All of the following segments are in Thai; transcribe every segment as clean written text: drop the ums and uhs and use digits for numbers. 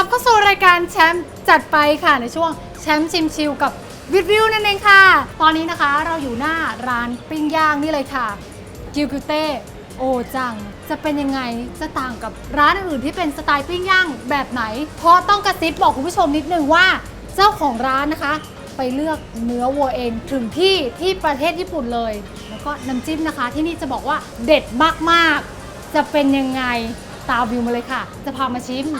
เข้าสู่รายการแชมป์จัดไปค่ะในช่วงแชมป์ชิมชิลกับวิวนั่นเองค่ะตอนนี้นะคะเราอยู่หน้าร้านปิ้งย่างนี่เลยค่ะกิวกิวเต้โอจังจะเป็นยังไงจะต่างกับร้านอื่นที่เป็นสไตล์ปิ้งย่างแบบไหนเพราะต้องกระซิบบอกคุณผู้ชมนิดนึงว่าเจ้าของร้านนะคะไปเลือกเนื้อวัวเองถึงที่ประเทศญี่ปุ่นเลยแล้วก็น้ำจิ้มนะคะที่นี่จะบอกว่าเด็ดมากๆจะเป็นยังไงตามวิวมาเลยค่ะจะพามาชิม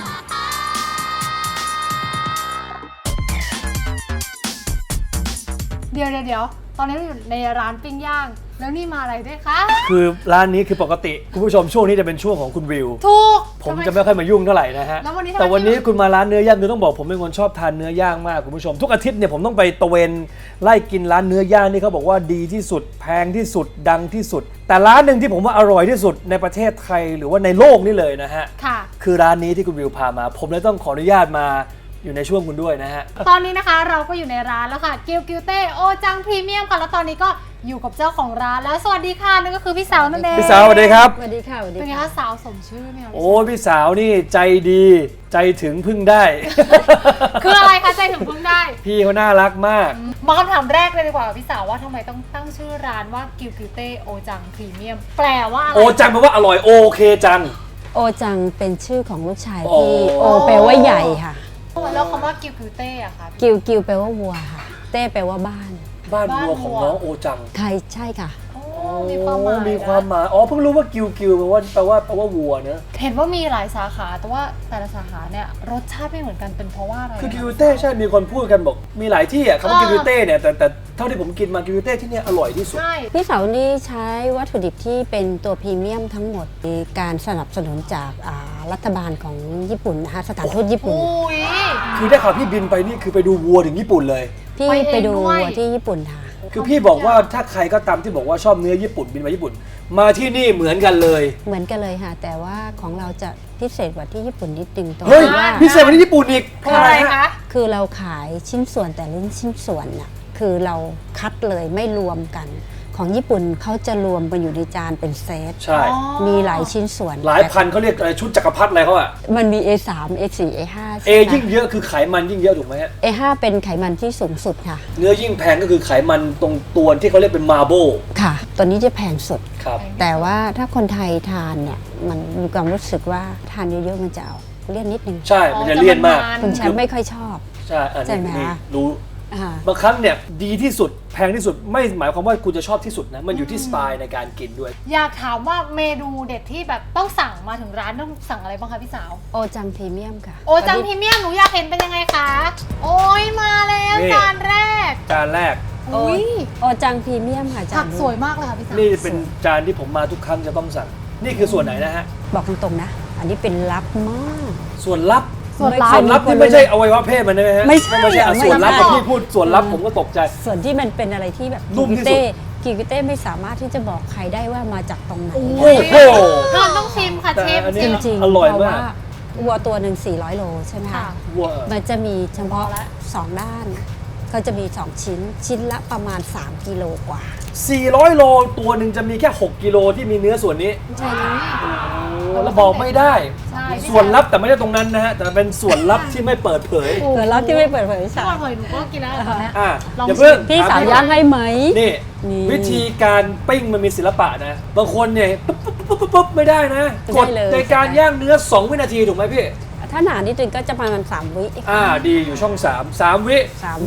เดี๋ยวตอนนี้เราอยู่ในร้านปิ้งย่างแล้วนี่มาอะไรด้วยคะคือร้านนี้คือปกติคุณผู้ชมช่วงนี้จะเป็นช่วงของคุณวิวถูกผมจะไม่ค่อยมายุ่งเท่าไหร่นะฮะแต่วันนี้คุณมาร้านเนื้อย่างคือต้องบอกผมเป็นคนชอบทานเนื้อย่างมากคุณผู้ชมทุกอาทิตย์เนี่ยผมต้องไปตะเวนไล่กินร้านเนื้อย่างนี่เขาบอกว่าดีที่สุดแพงที่สุดดังที่สุดแต่ร้านหนึ่งที่ผมว่าอร่อยที่สุดในประเทศไทยหรือว่าในโลกนี่เลยนะฮะคือร้านนี้ที่คุณวิวพามาผมเลยต้องขออนุญาตมาอยู่ในช่วงคุณด้วยนะฮะตอนนี้นะคะเราก็อยู่ในร้านแล้วค่ะกิวกิวเต้โอจังพรีเมียมค่ะแล้วตอนนี้ก็อยู่กับเจ้าของร้านแล้วสวัสดีค่ะนั่นก็คือพี่สาวนั่นเองพี่สาวสวัสดีครับสวัสดีค่ะสวัสดีเป็นไงคะสาวสมชื่อไหมคะโอ้พี่สาวนี่ใจดีใจถึงพึ่งได้คืออะไรคะใจถึงพึ่งได้พี่เขาน่ารักมากมาคำถามแรกเลยดีกว่าพี่สาวว่าทำไมต้องตั้งชื่อร้านว่ากิวกิวเต้โอจังพรีเมียมแปลว่าอะไรโอจังแปลว่าอร่อยโอเคจังโอจังเป็นชื่อของลูกชายที่โอแปลว่าใหญ่ค่ะแล้วคำว่ากิวกิวเต้อะคะกิวแปลว่าวัวค่ะเต้แปลว่าบ้านวัวของน้องโอจังใช่ค่ะมีความหมายอ๋อเพิ่งรู้ว่ากิวแปลว่าวัวเนอะเห็นว่ามีหลายสาขาแต่ว่าแต่ละสาขาเนี่ยรสชาติไม่เหมือนกันเป็นเพราะว่าอะไรคือกิวเต้ใช่มีคนพูดกันบอกมีหลายที่อ่ะคำว่ากิวเต้เนี่ยแต่เท่าที่ผมกินมากิวเต้ที่เนี่ยอร่อยที่สุดพี่สาวนี่ใช้วัตถุดิบที่เป็นตัวพรีเมียมทั้งหมดมีการสนับสนุนจากรัฐบาลของญี่ปุ่นนะคะสถานทูตญี่ปุ่นคือได้ข่าวพี่บินไปนี่คือไปดูวัวถึงญี่ปุ่นเลยพี่ไปดูวัวที่ญี่ปุ่นค่ะคือพี่บอกว่าถ้าใครก็ตามที่บอกว่าชอบเนื้อญี่ปุ่นบินมาญี่ปุ่นมาที่นี่เหมือนกันเลยค่ะแต่ว่าของเราจะพิเศษกว่าที่ญี่ปุ่นนิดนึงตรงที่ว่าพิเศษกว่าที่ญี่ปุ่นอีกเพราะอะไรคะคือเราขายชิ้นส่วนแต่ละชิ้นส่วนน่ะคือเราคัดเลยไม่รวมกันของญี่ปุ่นเขาจะรวมกันอยู่ในจานเป็นเซตใช่มีหลายชิ้นส่วนหลายพันเขาเรียกอะไรชุดจักรพรรดิอะไรเขาอะมันมี A3 A4 A5 A ยิ่งเยอะคือไขมันยิ่งเยอะถูกไหมฮะ A5 เป็นไขมันที่สูงสุดค่ะเนื้อยิ่งแพงก็คือไขมันตรงตัวที่เขาเรียกเป็นมาร์โบค่ะตัวนี้จะแพงสุดครับแต่ว่าถ้าคนไทยทานเนี่ยมันมีความรู้สึกว่าทานเยอะๆมันจะเอาเลี่ยนนิดนึงใช่มันจะเลี่ยนมากคุณแชมป์ไม่ค่อยชอบใช่ไหมรู้บางครั้งเนี่ยดีที่สุดแพงที่สุดไม่หมายความว่าคุณจะชอบที่สุดนะมันอยู่ที่สไตล์ในการกินด้วยอยากถามว่าเมนูเด็ดที่แบบต้องสั่งมาถึงร้านต้องสั่งอะไรบ้างคะพี่สาวโอจังพรีเมียมค่ะโอจังพรีเมียมหนูอยากเห็นเป็นยังไงคะโอ้ยมาแล้วจานแรกโอจังพรีเมียมค่ะจานผักสวยมากเลยค่ะพี่สาวนี่เป็นจานที่ผมมาทุกครั้งจะต้องสั่งนี่คือส่วนไหนนะฮะบอกตรงๆนะอันนี้เป็นลับมากส่วนลับที่ไม่ใช่อวัยวะเพศมันใช่ไหมฮะไม่ใช่ส่วนลับพี่พูดส่วนลับผมก็ตกใจส่วนที่มันเป็นอะไรที่แบบนุ่มที่สุดกิวเต้ไม่สามารถที่จะบอกใครได้ว่ามาจากตรงไหนโอ้โหเราต้องชิมค่ะเชฟจริงๆอร่อยมากวัวตัวหนึ่ง400 โลใช่ไหมคะมันจะมีเฉพาะ2ด้านก็จะมี2ชิ้นละประมาณ3 กิโลกว่า 400 โลตัวหนึ่งจะมีแค่6 กิโลที่มีเนื้อส่วนนี้ใช่ค่ะแล้วบอกไม่ได้ส่วนลับแต่ไม่ใช่ตรงนั้นนะฮะแต่เป็นส่วนลับที่ไม่เปิดเผยส่วนลับที่ไม่เปิดเผยใช่เปิดเผยหนูก็กินแล้วอย่าเพิ่งพี่สาวย่างให้ไหมนี่วิธีการปิ้งมันมีศิลปะนะบางคนเนี่ยปุ๊บไม่ได้นะกดในการย่างเนื้อ2 วินาทีถูกไหมพี่ถ้าหนานิดนึงก็จะประมาณ3 วิดีอยู่ช่อง3 วิ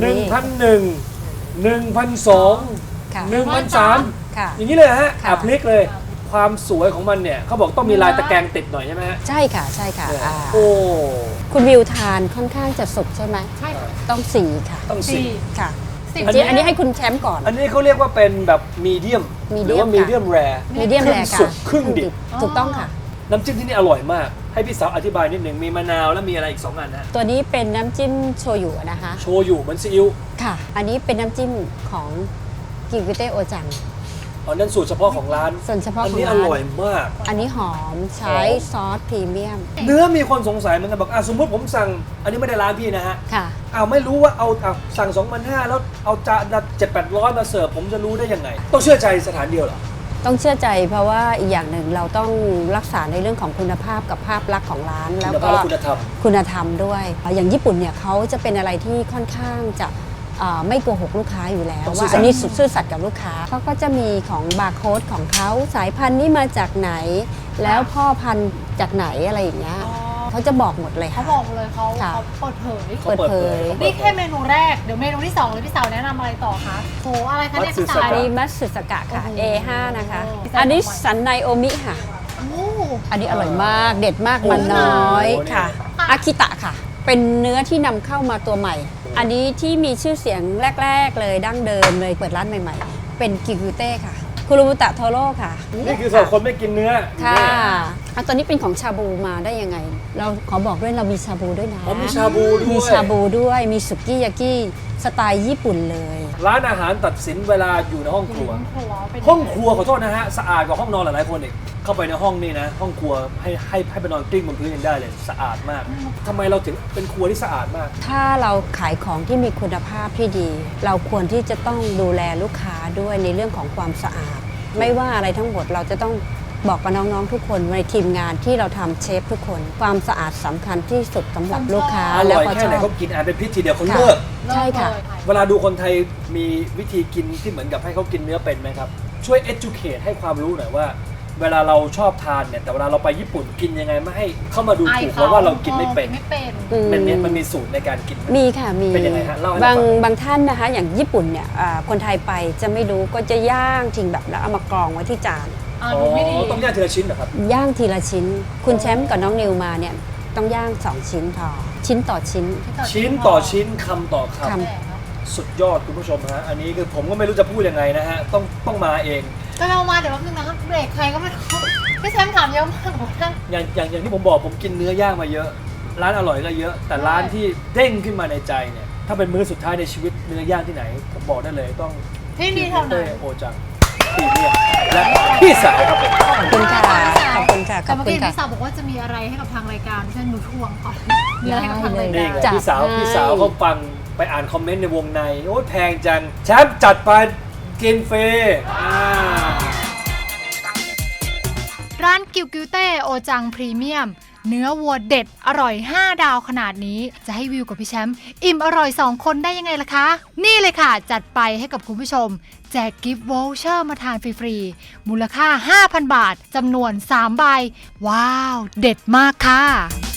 1,001 1,002 1,003อย่างนี้เลยฮะพลิกเลยความสวยของมันเนี่ยเขาบอกต้องมีลายตะแกรงติดหน่อยใช่ไหมฮะใช่ค่ะโอ้คุณวิวทานค่อนข้างจะสุกใช่ไหมใช่ต้อง4ค่ะต้อง4 ค่ะอันนี้ให้คุณแชมป์ก่อนอันนี้เขาเรียกว่าเป็นแบบมีเดียมหรือว่ามีเดียมแรร์สุกครึ่งดิบถูกต้องค่ะน้ำจิ้มที่นี่อร่อยมากให้พี่สาวอธิบายนิดหนึ่งมีมะนาวแล้วมีอะไรอีก2 อันนะตัวนี้เป็นน้ำจิ้มโชยุนะคะโชยุเหมือนซีอิ๊วค่ะอันนี้เป็นน้ำจิ้มของกิวเต้โอจังนั่นสูตรเฉพาะของร้านส่วนเฉพาะของร้านอันนี้อร่อยมากอันนี้หอมใช้ซอสพรีเมียมเนื้อมีคนสงสัยเหมือนกันบอกสมมติผมสั่งอันนี้ไม่ได้ร้านพี่นะฮะค่ะไม่รู้ว่าเอาสั่ง 2,500แล้วเอาจานละ700-800มาเสิร์ฟผมจะรู้ได้ยังไงต้องเชื่อใจสถานเดียวเหรอต้องเชื่อใจเพราะว่าอีกอย่างหนึ่งเราต้องรักษาในเรื่องของคุณภาพกับภาพลักษณ์ของร้านแล้วก็คุณภาพและคุณธรรมด้วยอย่างญี่ปุ่นเนี่ยเขาจะเป็นอะไรที่ค่อนข้างจะไม่โกหกลูกค้าอยู่แล้วว่าอันนี้ซื่อสัตย์กับลูกค้าเขาก็จะมีของบาร์โค้ดของเขาสายพันธุ์นี้มาจากไหน แล้วพ่อพันธุ์จากไหนอะไรอย่างเงี้ยเขาจะบอกหมดเลยเขาบอกเลยเขาเปิดเผยเปิดเผยนี่แค่เมนูแรกเดี๋ยวเมนูที่2เลยพี่สาวแนะนำอะไรต่อคะโหอะไรคะเนี่ยพี่สาวอันนี้มัตสึสกะค่ะ A5 นะคะอันนี้สันในโอมิค่ะอันนี้อร่อยมากเด็ดมากมันน้อยค่ะอากิตะค่ะเป็นเนื้อที่นำเข้ามาตัวใหม่ อันนี้ที่มีชื่อเสียงแรกๆเลยดั้งเดิมเลยเปิดร้านใหม่ๆเป็นกิกุเต้ค่ะคุรุมุตะโทโร่ค่ะนี่คือสำหรับคนไม่กินเนื้อค่ะตอนนี้เป็นของชาบูมาได้ยังไงเราขอบอกด้วยเรามีชาบูด้วยนะมีชาบูด้วยมีชาบูด้วยมีสุกี้ยากิสไตล์ญี่ปุ่นเลยร้านอาหารตัดสินเวลาอยู่ในห้องครัวห้องครัวขอโทษนะฮะสะอาดกว่าห้องนอนหลายๆคนอีกเข้าไปในห้องนี่นะห้องครัวให้ไปนอนกลิ้งบนพื้นยังได้เลยสะอาดมากทำไมเราถึงเป็นครัวที่สะอาดมากถ้าเราขายของที่มีคุณภาพที่ดี เราควรที่จะต้องดูแลลูกค้าด้วยในเรื่องของความสะอาดไม่ว่าอะไรทั้งหมดเราจะต้องบอกกับน้องๆทุกคนในทีมงานที่เราทำเชฟทุกคนความสะอาดสำคัญที่สุดสำหรับลูกค้าแล้วแค่ไหนเขากินอาหารเป็นพิษทีเดียวเขาเลิกใช่ค่ะเวลาดูคนไทยมีวิธีกินที่เหมือนกับให้เขากินเนื้อเป็นไหมครับช่วย educate ให้ความรู้หน่อยว่าเวลาเราชอบทานเนี่ยแต่เวลาเราไปญี่ปุ่นกินยังไงไม่ให้เข้ามาดูถูกเพราะว่าเรากินไม่เป็นมันมีสูตรในการกินมีค่ะมีเป็นยังไงฮะบางท่านนะคะอย่างญี่ปุ่นเนี่ยคนไทยไปจะไม่รู้ก็จะย่างทิ้งแบบแล้วเอามากรองไว้ที่จานต้องย่างทีละชิ้นเหรอครับย่างทีละชิ้นคุณแชมป์กับน้องนิวมาเนี่ยต้องย่าง2ชิ้นพอชิ้นต่อชิ้นต่อชิ้นคำต่อคำสุดยอดคุณผู้ชมฮะอันนี้คือผมก็ไม่รู้จะพูดยังไงนะฮะต้องมาเองก็เรามาเดี๋ยวแป๊บนึงนะครับเบรกใครก็ไม่รู้พี่แชมป์ถามเยอะมากอย่างที่ผมบอกผมกินเนื้อย่างมาเยอะร้านอร่อยก็เยอะแต่ร้านที่เด้งขึ้นมาในใจเนี่ยถ้าเป็นมื้อสุดท้ายในชีวิตเนื้อย่างที่ไหนผมบอกได้เลยต้องที่นี่เท่านั้นโอจังพี่เนี่ยและพี่สาวครับผมขอบคุณค่ะขอบคุณค่ะแต่เมื่อกี้พี่สาวบอกว่าจะมีอะไรให้กับทางรายการที่ฉันหนูทวงก่อนมีอะไรให้กับทางรายการพี่สาวเขาฟังไปอ่านคอมเมนต์ในวงในโอ้ยแพงจังแชมป์จัดไปกินฟรีร้านกิวกิวเต้โอจังพรีเมียมเนื้อวัวเด็ดอร่อย5ดาวขนาดนี้จะให้วิวกับพี่แชมป์อิ่มอร่อย2คนได้ยังไงล่ะคะนี่เลยค่ะจัดไปให้กับคุณผู้ชมแจกกิฟต์วอลเชอร์มาทานฟรีๆมูลค่า 5,000 บาทจำนวน3ใบว้าวเด็ดมากค่ะ